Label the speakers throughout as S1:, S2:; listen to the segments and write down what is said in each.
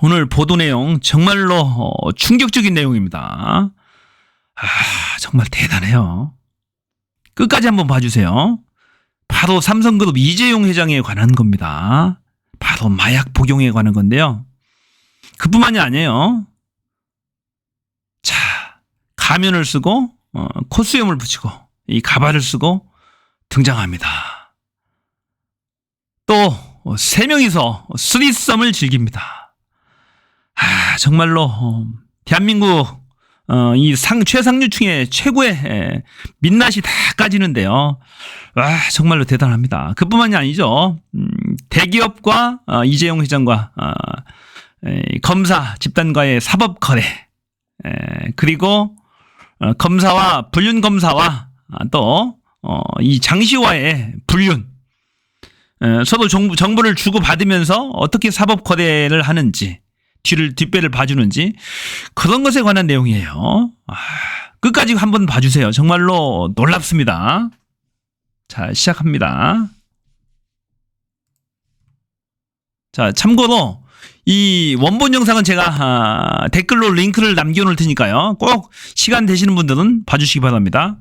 S1: 오늘 보도 내용 정말로 충격적인 내용입니다. 정말 대단해요. 끝까지 한번 봐주세요. 바로 삼성그룹 이재용 회장에 관한 겁니다. 바로 마약 복용에 관한 건데요. 그뿐만이 아니에요. 자, 가면을 쓰고 콧수염을 붙이고 이 가발을 쓰고 등장합니다. 또 3명이서 쓰리썸을 즐깁니다. 정말로 대한민국 이 최상류층의 최고의 민낯이 다 까지는데요. 정말로 대단합니다. 그뿐만이 아니죠. 대기업과 이재용 회장과 검사 집단과의 사법 거래, 그리고 검사와 불륜 검사와 또 이 장시와의 불륜, 서로 정보를 주고 받으면서 어떻게 사법 거래를 하는지, 뒷배를 봐주는지, 그런 것에 관한 내용이에요. 끝까지 한번 봐주세요. 정말로 놀랍습니다. 자, 시작합니다. 자, 참고로 이 원본 영상은 제가 댓글로 링크를 남겨놓을 테니까요. 꼭 시간 되시는 분들은 봐주시기 바랍니다.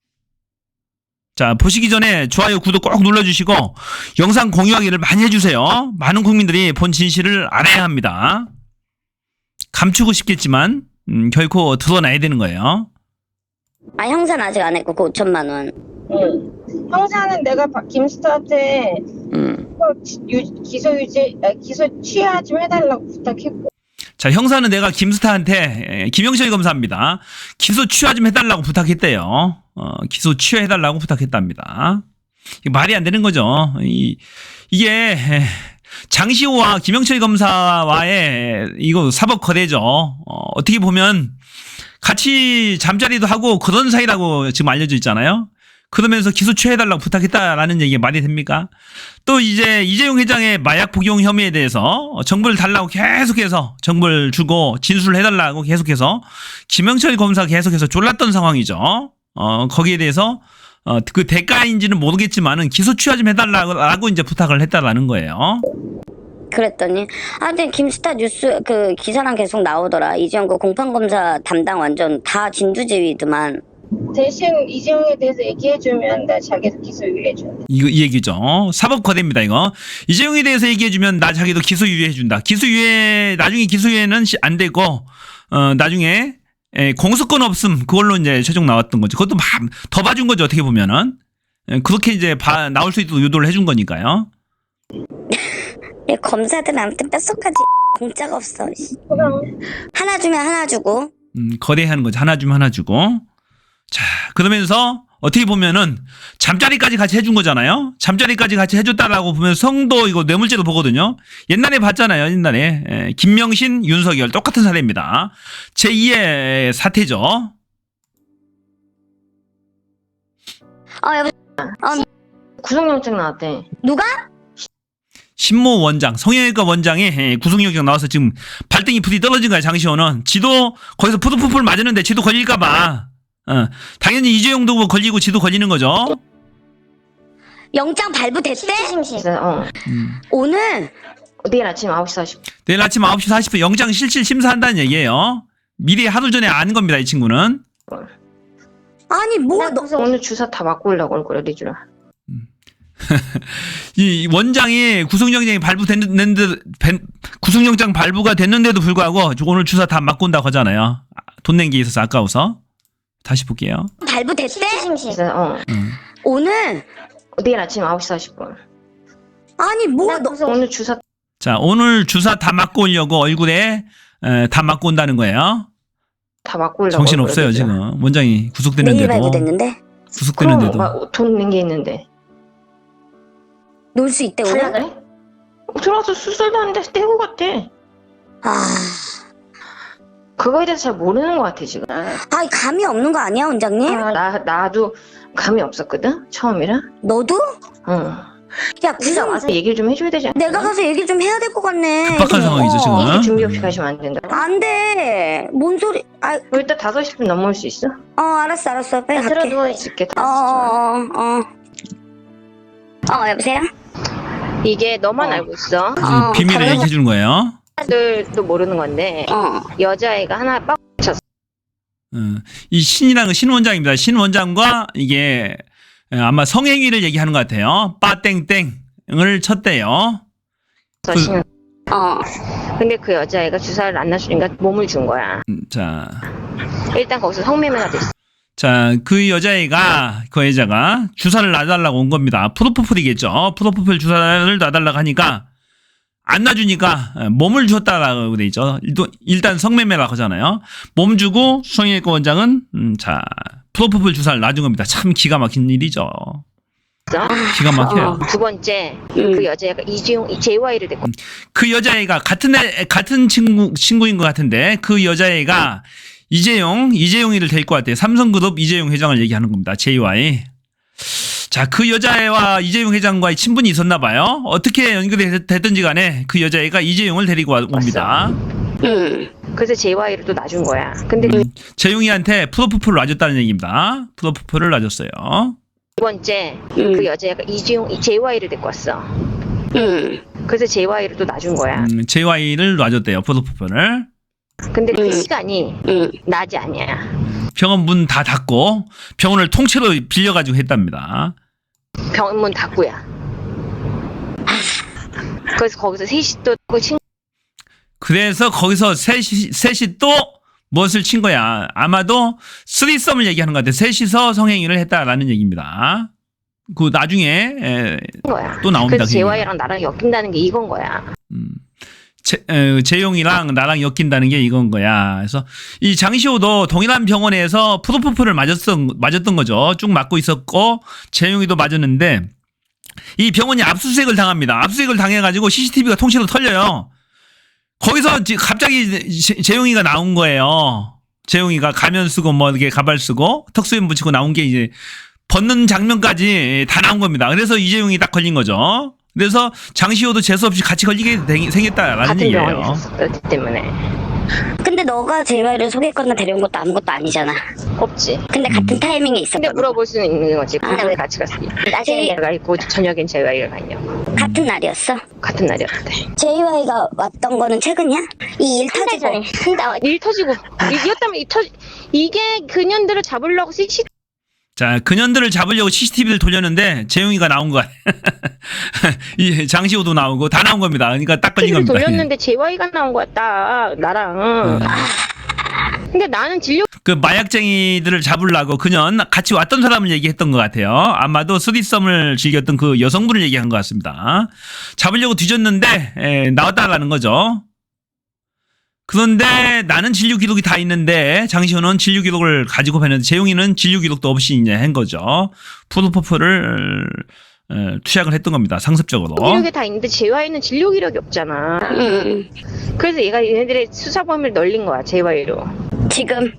S1: 자, 보시기 전에 좋아요, 구독 꼭 눌러주시고 영상 공유하기를 많이 해주세요. 많은 국민들이 본 진실을 알아야 합니다. 감추고 싶겠지만 결코 드러나야 되는 거예요.
S2: 형사는 아직 안 했고 그 5천만 원.
S3: 응. 형사는 내가 김스타한테 기소 취하 좀 해달라고 부탁했고.
S1: 자, 형사는 내가 김스타한테 김영철 검사입니다. 기소 취하 좀 해달라고 부탁했대요. 기소 취하해달라고 부탁했답니다. 이게 말이 안 되는 거죠. 이게 장시호와 김영철 검사와의 이거 사법 거래죠. 어떻게 보면 같이 잠자리도 하고 그런 사이라고 지금 알려져 있잖아요. 그러면서 기소 취하해달라고 부탁했다라는 얘기가 말이 됩니까? 또 이제 이재용 회장의 마약 복용 혐의에 대해서 정보를 달라고 계속해서 정보를 주고 진술을 해달라고 계속해서 김영철 검사 계속해서 졸랐던 상황이죠. 거기에 대해서 그 대가인지는 모르겠지만은 기소 취하 좀 해달라고 이제 부탁을 했다라는 거예요.
S2: 그랬더니 근데 김스타 뉴스 그 기사랑 계속 나오더라. 이재용 그 공판검사 담당 완전 다 진두지휘더만.
S3: 대신 이재용에 대해서 얘기해주면 나 자기도 기소 유예해준다.
S1: 이 얘기죠. 사법 거래입니다, 이거. 이재용에 대해서 얘기해주면 나 자기도 기소 유예해준다. 나중에 기소 유예는 안 되고, 나중에 공소권 없음, 그걸로 이제 최종 나왔던 거죠. 그것도 더 봐준 거죠, 어떻게 보면은. 그렇게 이제 나올 수 있도록 유도를 해준 거니까요.
S2: 검사들 아무튼 뼛속까지 공짜가 없어. 하나 주면 하나 주고.
S1: 거래하는 거죠. 하나 주면 하나 주고. 자, 그러면서 어떻게 보면은 잠자리까지 같이 해준 거잖아요. 잠자리까지 같이 해줬다라고 보면 성도 이거 뇌물죄로 보거든요. 옛날에 봤잖아요. 옛날에 김명신, 윤석열 똑같은 사례입니다. 제2의 사태죠.
S2: 여보세요.
S3: 구속영장 나왔대.
S2: 누가?
S1: 신모 원장, 성형외과 원장의 구속영장 나와서 지금 발등이 불이 떨어진 거야. 장시호는 지도 거기서 푸드푸풀 맞았는데 지도 걸릴까봐. 당연히 이재용도 걸리고 지도 걸리는 거죠.
S2: 영장 발부됐대? 오늘
S3: 내일 아침 9시 40분.
S1: 내일 아침 9시 40분 영장 실질 심사한다는 얘기예요. 미리 하루 전에 아는 겁니다, 이 친구는.
S2: 아니
S3: 오늘 주사 다 맞고 오려고 얼굴에 리주라.
S1: 이 원장이 구속영장이 구속영장 발부가 됐는데도 불구하고 오늘 주사 다 맞고 온다고 하잖아요. 돈 낸 게 있어서 아까워서. 다시 볼게요.
S2: 발부됐대? 오늘
S3: 내일 아침 9시 40분.
S2: 아니
S3: 오늘 주사.
S1: 자, 오늘 주사 다 맞고 오려고 얼굴에 다 맞고 온다는 거예요.
S3: 다 맞고 오려고.
S1: 정신 없어요 지금. 원장이 구속됐는데도.
S2: 내일 발부됐는데?
S1: 구속됐는데도.
S3: 돈 낸 게 있는데.
S2: 놀 수 있대 오늘?
S3: 그래? 들어와서 수술도 하는데 떼고 갔대. 그거에 대해서 잘 모르는 것 같아 지금.
S2: 감이 없는 거 아니야 원장님?
S3: 나도 감이 없었거든 처음이라.
S2: 너도?
S3: 응.
S2: 야 구속
S3: 와서 얘기를 좀 해줘야 되지 않나?
S2: 내가 가서 얘기 좀 해야 될 것 같네.
S1: 급박한 상황이죠 지금.
S3: 얘기 준비 없이 가시면 안 된다.
S2: 안 돼. 뭔 소리?
S3: 일단 5시 분 넘어올 수 있어?
S2: 알았어. 빨리 갈게.
S3: 들어 누워 있을게. 5시.
S2: 여보세요?
S3: 이게 너만 알고 있어.
S1: 비밀을 얘기해 주는 거예요.
S3: 들도 모르는 건데 여자애가 하나 빡 쳤어.
S1: 이 신이라는 건 신 원장입니다. 신 원장과 이게 아마 성행위를 얘기하는 것 같아요. 빠땡땡을 쳤대요.
S3: 근데 그 여자애가 주사를 안 놔주니까 몸을 준 거야.
S1: 자,
S3: 일단 거기서 성매매가 됐어.
S1: 자, 그 여자애가, 그 여자가 주사를 놔달라고 온 겁니다. 프로포폴이겠죠. 프로포폴 주사를 놔달라고 하니까, 안 놔주니까 몸을 줬다라고 돼 있죠. 일단 성매매라고 하잖아요. 몸 주고 성형외과 원장은, 자, 프로포폴 주사를 놔준 겁니다. 참 기가 막힌 일이죠. 기가 막혀요.
S3: 두 번째, 그 여자애가 이재용, JY를 됐고.
S1: 그 여자애가 같은 친구인 것 같은데, 그 여자애가 이재용이를 데리고 왔대요. 삼성그룹 이재용 회장을 얘기하는 겁니다. JY. 자, 그 여자애와 이재용 회장과의 친분이 있었나 봐요. 어떻게 연결이 됐든지 간에 그 여자애가 이재용을 데리고 옵니다.
S3: 그래서 JY를 또 놔준 거야. 근데
S1: 재용이한테 프로포폴을 놔줬다는 얘기입니다. 프로포폴을 놔줬어요.
S3: 두 번째, 그 여자애가 JY를 데리고 왔어. 그래서 JY를 또 놔준 거야.
S1: JY를 놔줬대요. 프로포폴을.
S3: 근데 그 시간이 낮이 아니야.
S1: 병원 문 다 닫고 병원을 통째로 빌려가지고 했답니다.
S3: 병원 문 닫고야. 그래서 거기서 셋이 또
S1: 그래서 거기서 셋이 또 무엇을 친 거야. 아마도 쓰리썸을 얘기하는 것 같아. 셋이서 성행위를 했다라는 얘기입니다. 그 나중에
S3: 거야.
S1: 또 나옵니다.
S3: 그래서 JY랑 나랑 엮인다는 게 이건 거야.
S1: 재용이랑 나랑 엮인다는 게 이건 거야. 그래서 이 장시호도 동일한 병원에서 프로포폴을 맞았던 거죠. 쭉 맞고 있었고 재용이도 맞았는데 이 병원이 압수수색을 당합니다. 압수수색을 당해가지고 CCTV가 통째로 털려요. 거기서 갑자기 재용이가 나온 거예요. 재용이가 가면 쓰고 뭐 이렇게 가발 쓰고 턱수염 붙이고 나온 게 이제 벗는 장면까지 다 나온 겁니다. 그래서 이재용이 딱 걸린 거죠. 그래서 장시호도 재수없이 같이 걸리게 생겼다라는 얘기예요.
S3: 같은 병원에 있었기 때문에.
S2: 근데 너가 JY를 소개했거나 데려온 것도 아무것도 아니잖아.
S3: 없지.
S2: 근데 같은 타이밍에 있었거든.
S3: 근데 물어볼 수는 있는 거지. 근데 왜 같이 갔어?
S2: 낮에
S3: 내가 있고 저녁엔 JY가 갔냐고.
S2: 같은 날이었어?
S3: 같은 날이었대.
S2: JY가 왔던 거는 최근이야? 이 일 터지고.
S3: 일 터지고. 이겼다면 이게 그년들을 잡으려고
S1: 자, 그년들을 잡으려고 CCTV를 돌렸는데 재용이가 나온 거야. 이 장시호도 나오고 다 나온 겁니다. 그러니까 딱 걸린 겁니다.
S3: 돌렸는데 JY가 나온 거야, 딱 나랑. 근데 나는
S1: 그 마약쟁이들을 잡으려고 그년 같이 왔던 사람을 얘기했던 것 같아요. 아마도 쓰리썸을 즐겼던 그 여성분을 얘기한 것 같습니다. 잡으려고 뒤졌는데 나왔다라는 거죠. 그런데 나는 진료 기록이 다 있는데 장시호는 진료 기록을 가지고 봤는데 재용이는 진료 기록도 없이 이제 한 거죠. 프로포폴을 투약을 했던 겁니다. 상습적으로.
S3: 기록이 다 있는데 JY는 진료 기록이 없잖아. 그래서 얘네들의 수사 범위를 넓린 거야, JY로.
S2: 지금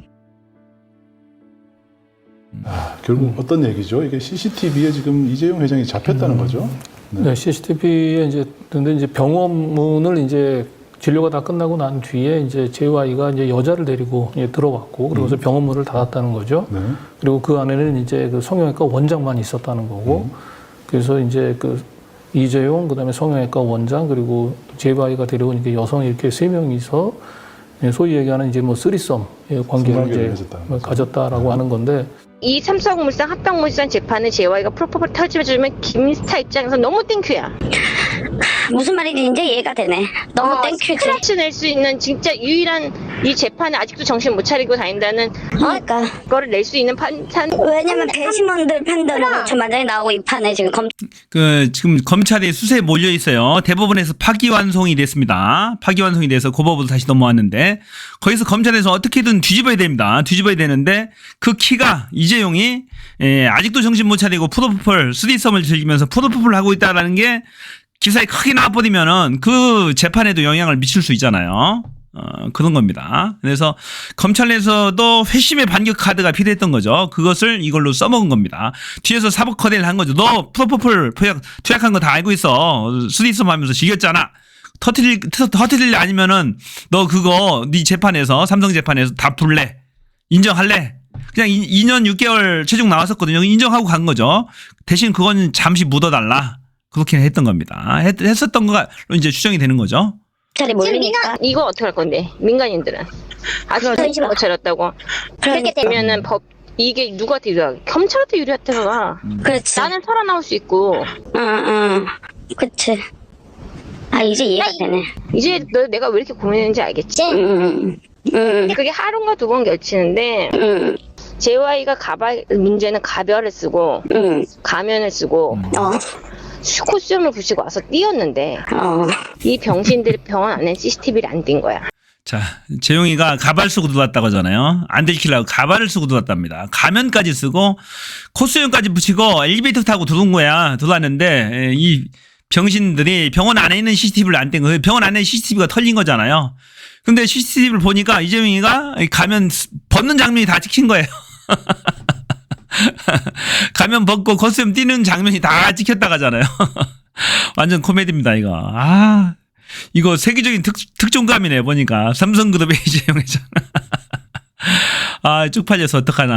S4: 결국 어떤 얘기죠? 이게 CCTV에 지금 이재용 회장이 잡혔다는 거죠?
S5: 네, CCTV에 근데 이제 병원문을 이제 진료가 다 끝나고 난 뒤에 이제 JY가 이제 여자를 데리고 이제 들어왔고 그러고서 병원 문을 닫았다는 거죠.
S4: 네.
S5: 그리고 그 안에는 이제 그 성형외과 원장만 있었다는 거고 그래서 이제 그 이재용 그다음에 성형외과 원장 그리고 JY가 데려온 이제 여성이 이렇게 세 명이서 소위 얘기하는 이제 뭐 쓰리썸 관계를 이제 가졌다라고 하는 건데.
S3: 이 삼성물산 합병물산 재판을 JY가 프로포폴 터지면 김스타 입장에서 너무 땡큐야.
S2: 무슨 말인지 이제 이해가 되네. 너무 땡큐지.
S3: 스크래치 낼 수 있는 진짜 유일한 이 재판에 아직도 정신 못 차리고 다닌다는
S2: 그러니까
S3: 그거를 낼 수 있는 판단.
S2: 왜냐면 배심원들 판단으로 전반장이 나오고 이 판에 지금
S1: 지금 검찰이 수사에 몰려 있어요. 대법원에서 파기환송이 됐습니다. 파기환송이 돼서 고법으로 다시 넘어왔는데 거기서 검찰에서 어떻게든 뒤집어야 됩니다. 뒤집어야 되는데 그 키가 이재용이 아직도 정신 못 차리고 프로포폴 쓰리썸을 즐기면서 프로포폴을 하고 있다라는 게 기사에 크게 나와버리면은 그 재판에도 영향을 미칠 수 있잖아요. 그런 겁니다. 그래서 검찰 내에서도 회심의 반격 카드가 필요했던 거죠. 그것을 이걸로 써먹은 겁니다. 뒤에서 사법 커대를 한 거죠. 너 프로포폴 투약한 거 다 알고 있어. 쓰리썸 하면서 즐겼잖아. 터트릴 아니면은 너 그거 네 재판에서 삼성 재판에서 다 풀래. 인정할래. 그냥 2년 6개월 최종 나왔었거든요. 인정하고 간 거죠. 대신 그건 잠시 묻어달라. 그렇게 했던 겁니다. 했었던 거가 이제 추정이 되는 거죠.
S2: 검찰이 몰리니까.
S3: 이거 어떻게 할 건데? 민간인들은 아직 정신 못 차렸다고. 그렇게 되면은 이게 누구한테 유리하게? 검찰한테 유리하다가.
S2: 그렇지.
S3: 나는 살아나올 수 있고.
S2: 응. 그치. 아, 이제 이해가 되네.
S3: 이제 내가 왜 이렇게 고민했는지 알겠지?
S2: 응.
S3: 그게 하루인가 두 번 결치는데 JY가 문제는 가별을 쓰고 가면을 쓰고 코스튬을 붙이고 와서 뛰었는데 이 병신들이 병원 안에 CCTV를 안 띈 거야.
S1: 자, 재용이가 가발 쓰고 들어왔다고 하잖아요. 안 들키려고 가발을 쓰고 들어왔답니다. 가면까지 쓰고 코스튬까지 붙이고 엘리베이터 타고 들어온 거야. 들어왔는데 이 병신들이 병원 안에 있는 CCTV를 안 뗀 거예요. 병원 안에 CCTV가 털린 거잖아요. 근데 CCTV를 보니까 이재용이가 가면 벗는 장면이 다 찍힌 거예요. 가면 벗고 코스튬 뛰는 장면이 다 찍혔다 가잖아요. 완전 코미디입니다, 이거. 아, 이거 세계적인 특종감이네, 보니까. 삼성그룹의 이재용 회장. 아, 쪽팔려서 어떡하나.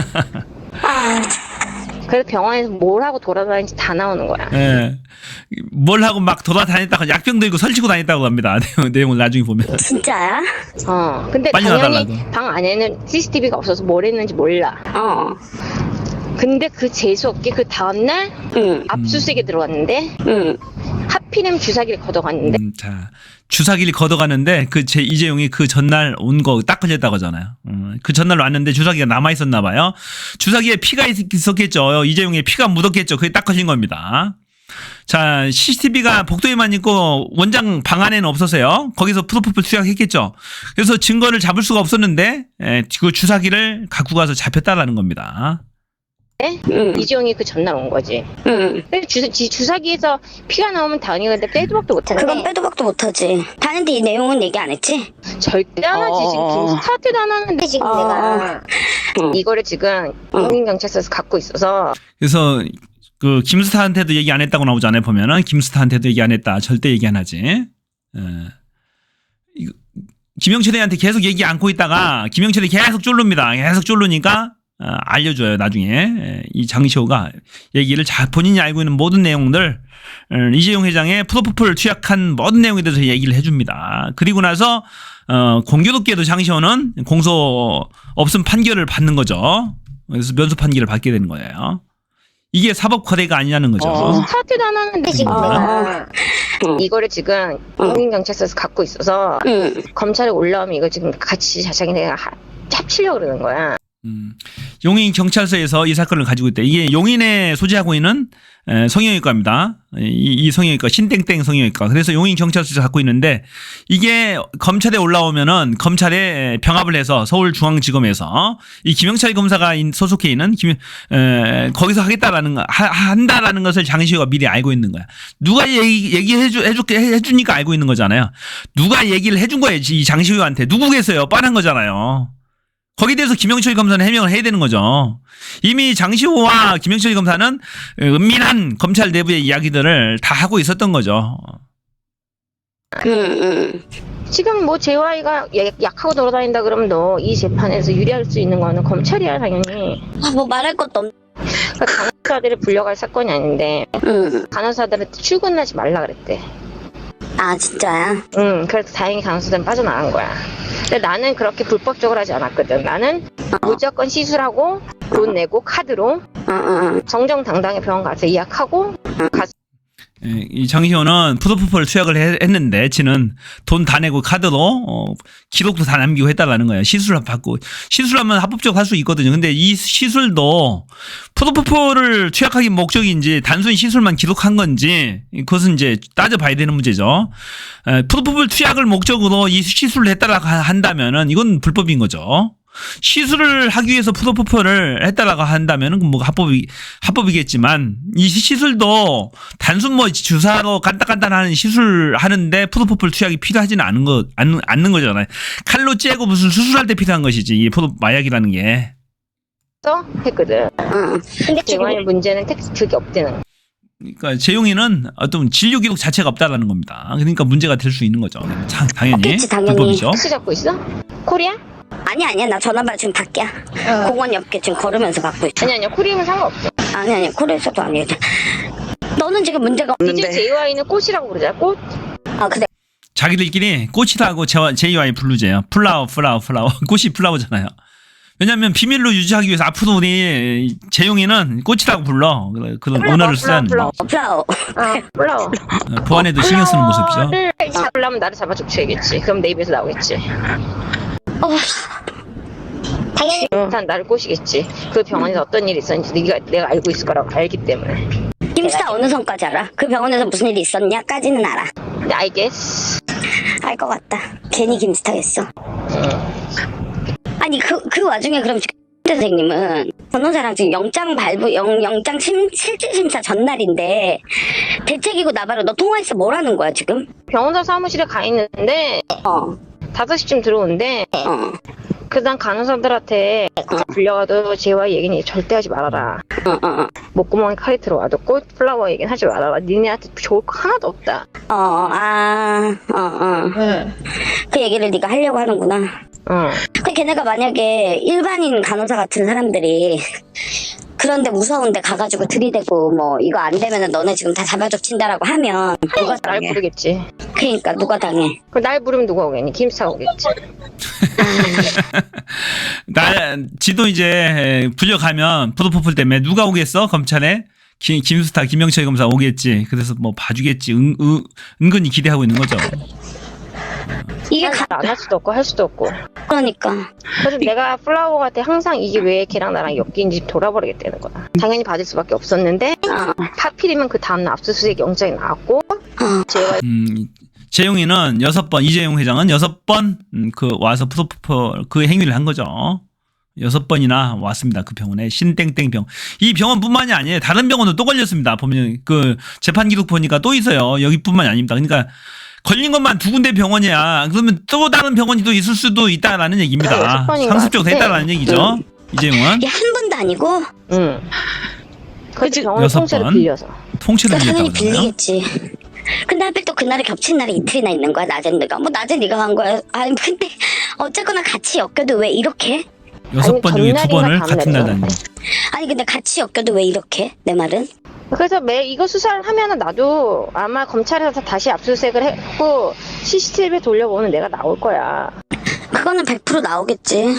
S3: 그래서 병원에서 뭘 하고 돌아다니는지 다 나오는 거야.
S1: 예. 뭘 하고 막 돌아다녔다가 약병 들고 설치고 다녔다고 합니다. 내용을 나중에 보면.
S2: 진짜야?
S3: 근데
S1: 빨리
S3: 당연히
S1: 나달라고.
S3: 방 안에는 CCTV가 없어서 뭘 했는지 몰라. 근데 그 재수없게 그 다음날 압수수색에 들어왔는데 하필이면 주사기를 걷어갔는데
S1: 자, 주사기를 걷어가는데 이재용이 그 전날 온 거 딱 걸렸다고 하잖아요. 그 전날 왔는데 주사기가 남아 있었나 봐요. 주사기에 피가 있었겠죠. 이재용의 피가 묻었겠죠. 그게 딱 걸린 겁니다. 자, CCTV가 복도에만 있고 원장 방 안에는 없었어요. 거기서 프로포폴 투약했겠죠. 그래서 증거를 잡을 수가 없었는데 그 주사기를 갖고 가서 잡혔다라는 겁니다.
S3: 이재용이 그 전날 온 거지. 주사기에서 피가 나오면 당연히 근데 빼도 박도 못하네.
S2: 그건 빼도 박도 못하지. 다른데 이 내용은 얘기 안 했지?
S3: 절대 안 하지. 지금 김스타트도 안 하는데 지금 내가 이거를 지금 국민경찰서에서 갖고 있어서.
S1: 그래서 그 김스타한테도 얘기 안 했다고 나오잖아요. 보면은 김스타한테도 얘기 안 했다. 절대 얘기 안 하지. 김영철이한테 계속 얘기 안고 있다가 김영철이 계속 쫄릅니다. 계속 쫄르니까 알려줘요. 나중에 이 장시호가 얘기를 본인이 알고 있는 모든 내용들 이재용 회장의 프로포폴 투약한 모든 내용에 대해서 얘기를 해줍니다. 그리고 나서 공교롭게도 장시호는 공소 없음 판결을 받는 거죠. 그래서 면소 판결을 받게 되는 거예요. 이게 사법 거래가 아니냐는 거죠.
S3: 스타트도 안 하는데 지금 내가 이거를 지금 국민경찰서에서 갖고 있어서 검찰에 올라오면 이거 지금 같이 자세하게 내가 합치려고 그러는 거야.
S1: 용인 경찰서에서 이 사건을 가지고 있대. 이게 용인에 소재하고 있는 성형외과입니다. 이 성형외과 신땡땡 성형외과. 그래서 용인 경찰서에서 갖고 있는데 이게 검찰에 올라오면은 검찰에 병합을 해서 서울중앙지검에서 이 김영철 검사가 소속해 있는 거기서 한다라는 것을 장시호가 미리 알고 있는 거야. 누가 해주니까 알고 있는 거잖아요. 누가 얘기를 해준 거예요. 이 장시호한테. 누구겠어요? 뻔한 거잖아요. 거기에 대해서 김영철 검사는 해명을 해야 되는 거죠. 이미 장시호와 김영철 검사는 은밀한 검찰 내부의 이야기들을 다 하고 있었던 거죠.
S3: 지금 뭐 JY가 약하고 돌아다닌다 그러면 너 이 재판에서 유리할 수 있는 거는 검찰이야 당연히.
S2: 뭐 말할 것도 없네.
S3: 그러니까 간호사들을 불려갈 사건이 아닌데 간호사들한테 출근하지 말라 그랬대.
S2: 아, 진짜야?
S3: 그래서 다행히 간호사들은 빠져나간 거야. 근데 나는 그렇게 불법적으로 하지 않았거든. 나는 무조건 시술하고 돈 내고 카드로 정정당당히 병원 가서 예약하고
S1: 이 장시호는 프로포폴 투약을 했는데 지는 돈 다 내고 카드로 기록도 다 남기고 했다라는 거예요. 시술을 받고 시술하면 합법적으로 할 수 있거든요. 근데 이 시술도 프로포폴을 투약하기 목적인지 단순히 시술만 기록한 건지 그것은 이제 따져봐야 되는 문제죠. 프로포폴 투약을 목적으로 이 시술을 했다라고 한다면은 이건 불법인 거죠. 시술을 하기 위해서 프로포폴을 했다라고 한다면은 뭐 합법이겠지만 이 시술도 단순 뭐 주사로 간단하는 시술 하는데 프로포폴 투약이 필요하지는 않는 거잖아요. 칼로 째고 무슨 수술할 때 필요한 것이지 이 마약이라는 게.
S3: 했거든. 근데 JY의 문제는 그게 없대는.
S1: 그러니까 재용이는 어떤 진료 기록 자체가 없다라는 겁니다. 그러니까 문제가 될 수 있는 거죠. 당연히
S2: 없겠지, 당연히.
S1: 불법이죠.
S3: 택시 잡고 있어? 코리아?
S2: 아니야. 나 전화받아 지금 밖이야. 공원 옆에 지금 걸으면서 받고 있어.
S3: 아니야. 코리아면 상관없어.
S2: 아니. 코리아에서도 아니야. 너는 지금 문제가 없는데.
S3: 이제 JY는 꽃이라고 그러잖아. 꽃?
S2: 아, 그래.
S1: 자기들끼리 꽃이라고 JY 블루제요. 플라워. 꽃이 플라워잖아요. 왜냐면 비밀로 유지하기 위해서 앞으로 우리 재용이는 꽃이라고 불러. 그런 언어를 쓰라는 거.
S2: 플라워.
S3: 플라워.
S1: 보안에도 신경 쓰는 모습이죠.
S3: 잡으려면 나를 잡아줘야겠지. 그럼 내 입에서 나오겠지.
S2: 당연히
S3: 일단 나를 꼬시겠지. 그 병원에서 어떤 일이 있었는지 내가 알고 있을 거라고 알기 때문에.
S2: 김스타 어느 선까지 알아? 그 병원에서 무슨 일이 있었냐까지는 알아.
S3: 근데 I guess.
S2: 알 것 같다. 괜히 김스타겠어. 아니 그 와중에 그럼 선생님은 변호사랑 지금 영장 실질심사 전날인데 대책이고 나발로 너 통화해서 뭐라는 거야 지금?
S3: 병원사 사무실에 가 있는데 5시쯤 들어오는데 그다음 간호사들한테 불려가도 JY 얘기는 저절대 하지 말아라. 목구멍에 칼이 들어와도 꽃 플라워 얘기는 하지 말아라. 니네한테 좋을 거 하나도 없다.
S2: 그 얘기를 네가 하려고 하는구나. 그 걔네가 만약에 일반인 간호사 같은 사람들이 그런데 무서운데 가가지고 들이대고 뭐 이거 안 되면은 너네 지금 다 잡아적친다라고 하면 누가
S3: 날
S2: 당해?
S3: 부르겠지.
S2: 그러니까 누가 당해?
S3: 날 부르면 누가 오겠니? 김스타 오겠지.
S1: 지도 이제 불려가면 푸드퍼플 때문에 누가 오겠어? 검찰에? 김수타, 김영철 검사 오겠지. 그래서 뭐 봐주겠지. 은근히 기대하고 있는 거죠.
S2: 이게
S3: 안 할 수도 없고 할 수도 없고.
S2: 그러니까
S3: 그래서 내가 플라워한테 항상 이게 왜 걔랑 나랑 엮인지 돌아버리겠다는 거야. 당연히 받을 수밖에 없었는데 하필이면 그 다음날 압수수색 영장이 나왔고 제가
S1: 재용이는 6번, 이재용 회장은 6번 와서 푸드퍼플 그 행위를 한 거죠. 6번이나 왔습니다. 그 병원에 신땡땡병. 이 병원뿐만이 아니에요. 다른 병원도 또 걸렸습니다. 보면 그 재판 기록 보니까 또 있어요. 여기뿐만이 아닙니다. 그러니까 걸린 것만 2군데 병원이야. 그러면 또 다른 병원이 또 있을 수도 있다라는 얘기입니다. 상습적으로 했다라는 얘기죠. 이재용은.
S2: 이게 한 번도 아니고.
S3: 그치 병원 통째로 빌려서.
S1: 통째로
S2: 당연히
S1: 빌렸다고 그러나요?
S2: 빌리겠지. 근데 하필 또 그날에 겹친 날이 이틀이나 있는 거야. 낮엔 내가. 뭐 낮에 네가 한 거야. 아니 근데 어쨌거나 같이 엮여도 왜 이렇게?
S1: 6번 중에 2번을 같은 날 다니는.
S2: 아니 근데 같이 엮여도 왜 이렇게? 내 말은?
S3: 그래서 이거 수사를 하면은 나도 아마 검찰에서 다시 압수수색을 했고 CCTV 돌려보면 내가 나올 거야.
S2: 그거는 100% 나오겠지.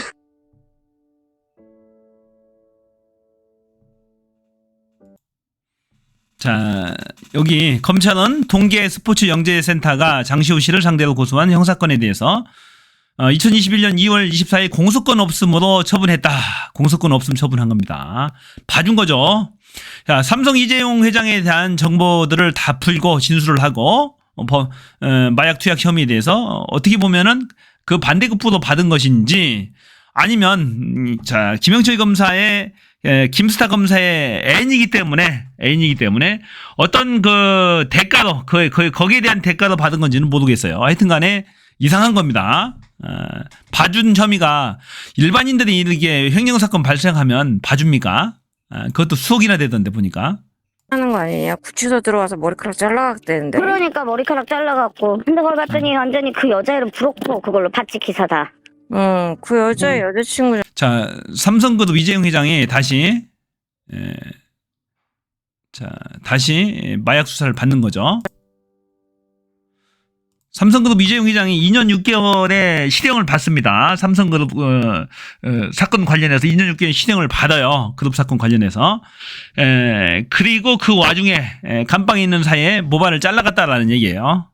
S1: 자, 여기 검찰은 동계 스포츠 영재센터가 장시호 씨를 상대로 고소한 형사건에 대해서 2021년 2월 24일 공소권 없음으로 처분했다. 공소권 없음 처분한 겁니다. 봐준 거죠. 자, 삼성 이재용 회장에 대한 정보들을 다 풀고 진술을 하고 마약 투약 혐의에 대해서 어떻게 보면은 그 반대급부도 받은 것인지 아니면 자 김영철 검사의 김스타 검사의 애인이기 때문에 어떤 그 대가로 거기에 대한 대가로 받은 건지는 모르겠어요. 하여튼간에 이상한 겁니다. 봐준 혐의가 일반인들이 이렇게 횡령사건 발생하면 봐줍니까? 그것도 수억이나 되던데 보니까.
S6: 하는 거 아니냐? 구치소 들어와서 머리카락 잘라갔대는데.
S2: 그러니까 머리카락 잘라갖고. 근데 그걸 봤더니 완전히 그 여자 이름 부럽고 그걸로 봤지 기사다.
S6: 그 여자의 여자친구.
S1: 자, 삼성그룹 이재용 회장이 다시 다시 마약 수사를 받는 거죠. 삼성그룹 이재용 회장이 2년 6개월의 실형을 받습니다. 삼성그룹 사건 관련해서 2년 6개월 실형을 받아요. 그룹 사건 관련해서. 그리고 그 와중에 감방에 있는 사이에 모발을 잘라갔다라는 얘기예요.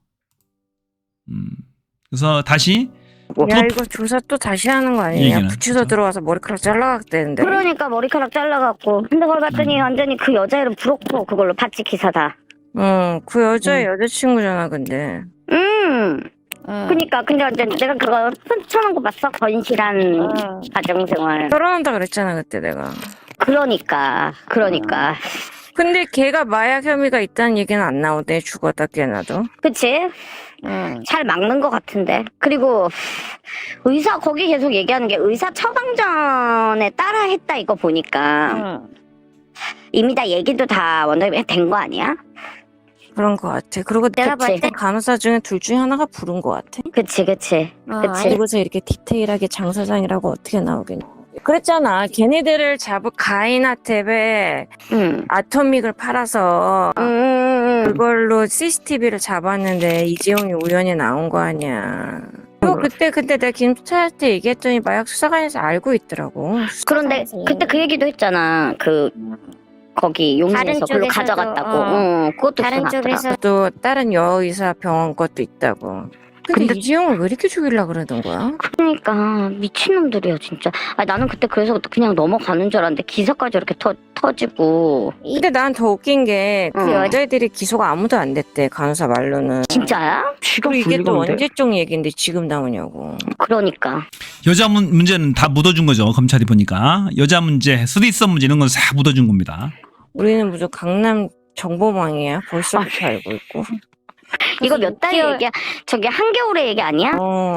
S1: 그래서 다시
S6: 야 이거 조사 또 다시 하는 거 아니냐? 구치소 들어와서 머리카락 잘라갔대는데.
S2: 그러니까 머리카락 잘라갖고. 근데 그걸 봤더니 완전히 그 여자 이름 부럽고 그걸로 봤지 기사다.
S6: 그 여자의 여자친구잖아 근데.
S2: 그니까 근데 완전 내가 그거 훔쳐놓은 거 봤어? 건실한 가정생활.
S6: 결혼한다 그랬잖아 그때 내가.
S2: 그러니까.
S6: 근데 걔가 마약 혐의가 있다는 얘기는 안 나오대. 죽었다 깨나도.
S2: 그치? 잘 막는 것 같은데. 그리고 의사 거기 계속 얘기하는 게 의사 처방전에 따라 했다 이거 보니까 이미 다 얘기도 다 원장님이 된 거 아니야?
S6: 그런 거 같아. 그리고 내가 봤을 때 간호사 중에 둘 중에 하나가 부른 거 같아.
S2: 그치.
S6: 그리고서 이렇게 디테일하게 장 사장이라고 어떻게 나오겠냐. 그랬잖아. 걔네들을 잡을 가인한테 왜 아토믹을 팔아서 그걸로 CCTV를 잡았는데 이재용이 우연히 나온 거 아니야. 또 그때 내가 김수찬한테 얘기했더니 마약 수사관에서 알고 있더라고.
S2: 그런데 그때 그 얘기도 했잖아. 거기 용인에서 그걸로 가져갔다고. 그것도
S6: 다른
S2: 수사
S6: 쪽에서
S2: 났더라.
S6: 또 다른 여의사 병원 것도 있다고. 근데 이재용을 왜 이렇게 죽이려고 그러던 거야?
S2: 그러니까 미친놈들이야 진짜. 나는 그때 그래서 그냥 넘어가는 줄 알았는데 기사까지 이렇게 터지고.
S6: 근데 난 더 웃긴 게 그 여자애들이 기소가 아무도 안 됐대, 간호사 말로는.
S2: 진짜야?
S6: 그리고 이게 또 언제적 얘기인데 지금 나오냐고.
S2: 그러니까.
S1: 여자 문제는 다 묻어준 거죠. 검찰이 보니까 여자 문제, 쓰리썸 문제 이런 건 다 묻어준 겁니다.
S6: 우리는 무슨 강남 정보망이야. 벌써부터 알고 있고.
S2: 이거 몇 달 얘기야? 저기 한겨울의 얘기 아니야?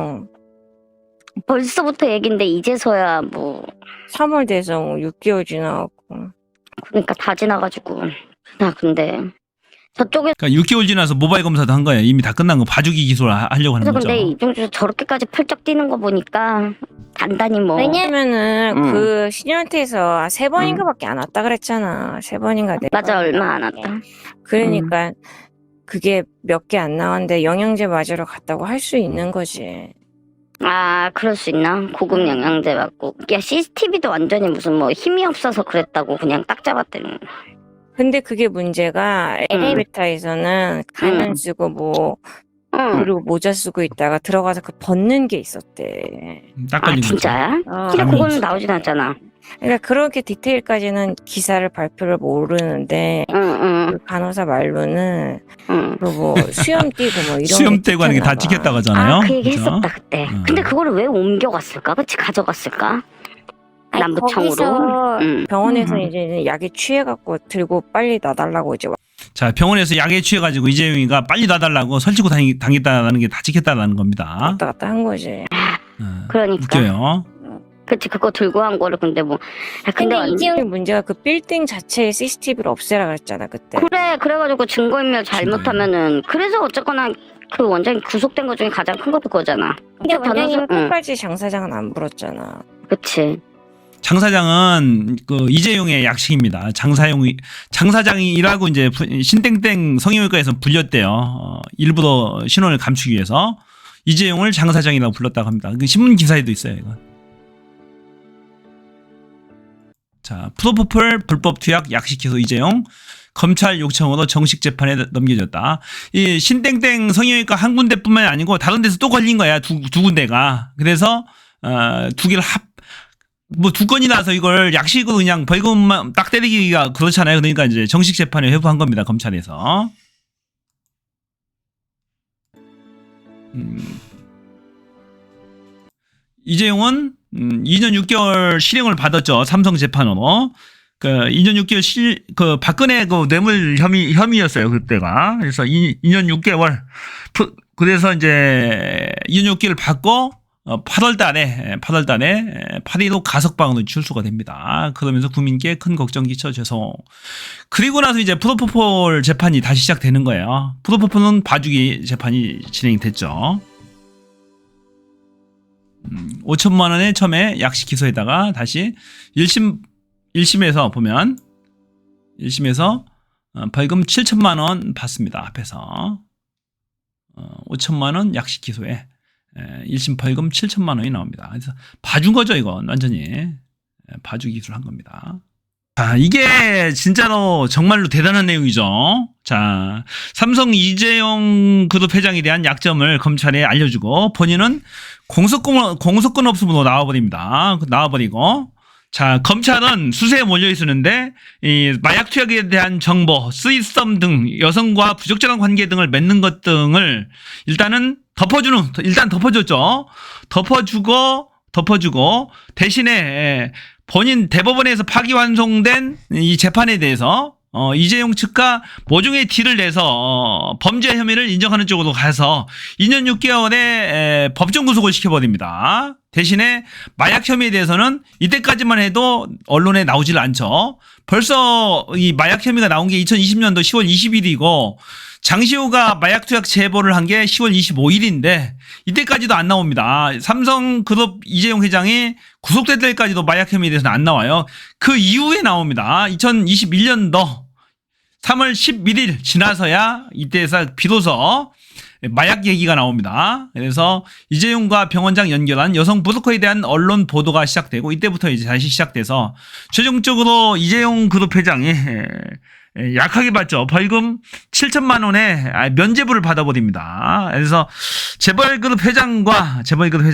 S2: 벌써부터 얘긴데 이제서야 뭐.
S6: 3월 돼서 6개월 지나갔고.
S2: 그러니까 다 지나가지고. 근데 저쪽에
S1: 그러니까 6개월 지나서 모바일 검사도 한 거예요. 이미 다 끝난 거 봐주기 기소를 하려고 하는
S2: 그래서
S1: 거죠.
S2: 근데 이종주 저렇게까지 펄쩍 뛰는 거 보니까 단단히 뭐.
S6: 왜냐면은 그 신현태에서 3번인가밖에 안 왔다 그랬잖아. 3번인가 4번.
S2: 맞아, 얼마 안 왔다.
S6: 그러니까 그게 몇 개 안 나왔는데 영양제 맞으러 갔다고 할 수 있는 거지.
S2: 그럴 수 있나? 고급 영양제 맞고. 야, CCTV도 완전히 무슨 뭐 힘이 없어서 그랬다고 그냥 딱 잡았더니.
S6: 근데 그게 문제가 엘리베이터에서는 가면 쓰고 뭐 그리고 모자 쓰고 있다가 들어가서 그 벗는 게 있었대.
S1: 딱 걸린 거죠.
S2: 진짜야? 근데 그거는 나오진 않잖아.
S6: 그러니까 그렇게 디테일까지는 기사를 발표를 모르는데 그 간호사 말로는 그뭐 수염 띄고 뭐 이런
S1: 수염 떼고 하는 게 다 찍혔다고 하잖아요.
S2: 그 얘기
S1: 그죠?
S2: 했었다 그때. 근데 그거를 왜 옮겨갔을까? 그치, 가져갔을까? 남부청으로.
S6: 병원에서 이제 약에 취해갖고 들고 빨리 놔달라고 이제
S1: 자, 병원에서 약에 취해가지고 이재용이가 빨리 놔달라고 설치고 당했다는 게 다 찍혔다는 겁니다.
S6: 왔다 갔다 한 거지.
S2: 그러니까.
S1: 웃겨요.
S2: 그치, 그거 들고 한 거를 근데 뭐. 근데
S6: 이재용 문제가 그 빌딩 자체에 CCTV를 없애라 그랬잖아 그때.
S2: 그래가지고 증거인멸 잘못하면은. 그래서 어쨌거나 그 원장이 구속된 것 중에 가장 큰 것도 그거잖아.
S6: 근데 원장님은 끝까지 장 사장은 안 불었잖아.
S2: 그치.
S1: 장 사장은 그 이재용의 약식입니다. 장 사장이라고 이제 신땡땡 성형외과에서 불렸대요. 일부러 신원을 감추기 위해서 이재용을 장 사장이라고 불렀다고 합니다. 그 신문 기사에도 있어요, 이거. 자, 프로포폴 불법 투약 약식 기소 이재용 검찰 요청으로 정식 재판에 넘겨졌다. 이 신땡땡 성형외과 한 군데뿐만이 아니고 다른 데서 또 걸린 거야. 두 군데가. 그래서 두 개를 두 건이 나서 이걸 약식으로 그냥 벌금만 딱 때리기가 그렇잖아요. 그러니까 이제 정식 재판에 회부한 겁니다. 검찰에서. 이재용은 2년 6개월 실형을 받았죠. 삼성 재판으로. 그 2년 6개월 박근혜 그 뇌물 혐의였어요. 그때가. 그래서 2년 6개월. 그래서 이제 2년 6개월 받고 8월 달에 8일로 가석방으로 출소가 됩니다. 그러면서 국민께 큰 걱정 끼쳐 죄송. 그리고 나서 이제 프로포폴 재판이 다시 시작되는 거예요. 프로포폴은 봐주기 재판이 진행이 됐죠. 5천만 원에 처음에 약식 기소에다가 다시 1심에서 보면 1심에서 벌금 7천만 원 받습니다. 앞에서 5천만 원 약식 기소에 1심 벌금 7천만 원이 나옵니다. 그래서 봐준 거죠, 이건 완전히 봐주기 기술을 한 겁니다. 자, 이게 진짜로 정말로 대단한 내용이죠. 자, 삼성 이재용 그룹 회장에 대한 약점을 검찰에 알려주고 본인은 공소권 없음으로 나와버리고 자, 검찰은 수세에 몰려 있었는데 이 마약 투약에 대한 정보, 쓰리썸 등 여성과 부적절한 관계 등을 맺는 것 등을 일단 덮어줬죠. 덮어주고 대신에 본인 대법원에서 파기환송된 이 재판에 대해서 이재용 측과 모종의 딜을 내서 범죄 혐의를 인정하는 쪽으로 가서 2년 6개월에 법정 구속을 시켜버립니다. 대신에 마약 혐의에 대해서는 이때까지만 해도 언론에 나오질 않죠. 벌써 이 마약 혐의가 나온 게 2020년도 10월 20일이고 장시호가 마약 투약 제보를 한 게 10월 25일인데 이때까지도 안 나옵니다. 삼성그룹 이재용 회장이 구속될 때까지도 마약 혐의에 대해서는 안 나와요. 그 이후에 나옵니다. 2021년도 3월 11일 지나서야 이때에서 비로소 마약 얘기가 나옵니다. 그래서 이재용과 병원장 연결한 여성 브로커에 대한 언론 보도가 시작되고 이때부터 이제 다시 시작돼서 최종적으로 이재용 그룹 회장이 약하게 받죠. 벌금 7천만 원의 면죄부를 받아버립니다. 그래서 재벌그룹 회장과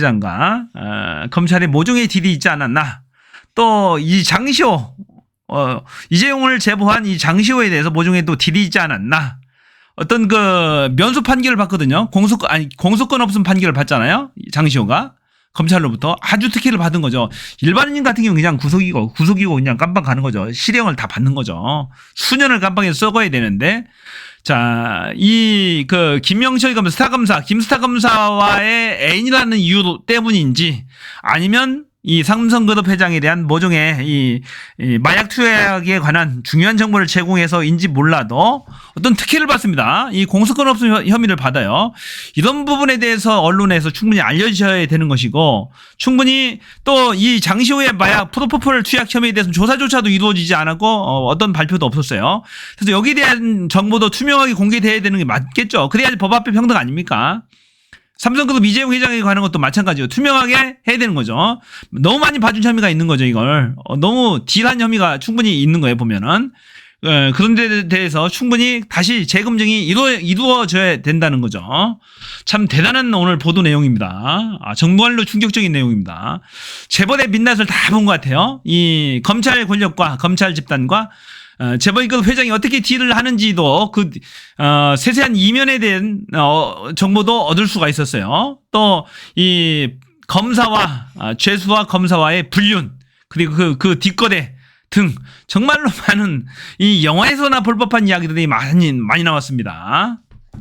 S1: 검찰의 모종의 딜이 있지 않았나. 또 이 장시호 이재용을 제보한 이 장시호에 대해서 모종의 또 딜이 있지 않았나. 어떤 그 면소 판결을 받거든요. 공소권 없음 판결을 받잖아요. 장시호가 검찰로부터 아주 특혜를 받은 거죠. 일반인 같은 경우는 그냥 구속이고 그냥 깜빵 가는 거죠. 실형을 다 받는 거죠. 수년을 깜빵에서 썩어야 되는데, 자, 이 그 김명철 검사, 김스타 검사와의 애인이라는 이유 때문인지 아니면 이 삼성그룹 회장에 대한 모종의 이 마약 투약에 관한 중요한 정보를 제공해서인지 몰라도 어떤 특혜를 받습니다. 이 공소권 없음 혐의를 받아요. 이런 부분에 대해서 언론에서 충분히 알려주셔야 되는 것이고, 충분히 또 이 장시호의 마약 프로포폴 투약 혐의에 대해서는 조사조차도 이루어지지 않았고 어떤 발표도 없었어요. 그래서 여기에 대한 정보도 투명하게 공개돼야 되는 게 맞겠죠. 그래야지 법 앞에 평등 아닙니까? 삼성그룹 이재용 회장에 관한 것도 마찬가지로 투명하게 해야 되는 거죠. 너무 많이 봐준 혐의가 있는 거죠, 이걸. 너무 딜한 혐의가 충분히 있는 거예요, 보면은. 그런 데 대해서 충분히 다시 재검증이 이루어져야 된다는 거죠. 참 대단한 오늘 보도 내용입니다. 정말로 충격적인 내용입니다. 재벌의 민낯을 다 본 것 같아요. 이 검찰 권력과 검찰 집단과 재벌그룹 회장이 어떻게 딜을 하는지도 그 세세한 이면에 대한 정보도 얻을 수가 있었어요. 또 이 검사와 죄수와 검사와의 불륜, 그리고 그 뒷거래 등 정말로 많은 이 영화에서나 볼 법한 이야기들이 많이 나왔습니다.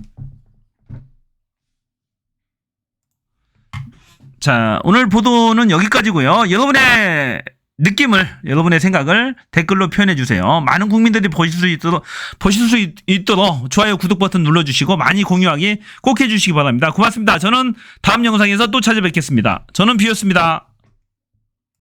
S1: 자, 오늘 보도는 여기까지고요. 여러분의 느낌을, 여러분의 생각을 댓글로 표현해 주세요. 많은 국민들이 보실 수 있도록 좋아요, 구독 버튼 눌러주시고 많이 공유하기 꼭 해주시기 바랍니다. 고맙습니다. 저는 다음 영상에서 또 찾아뵙겠습니다. 저는 비였습니다.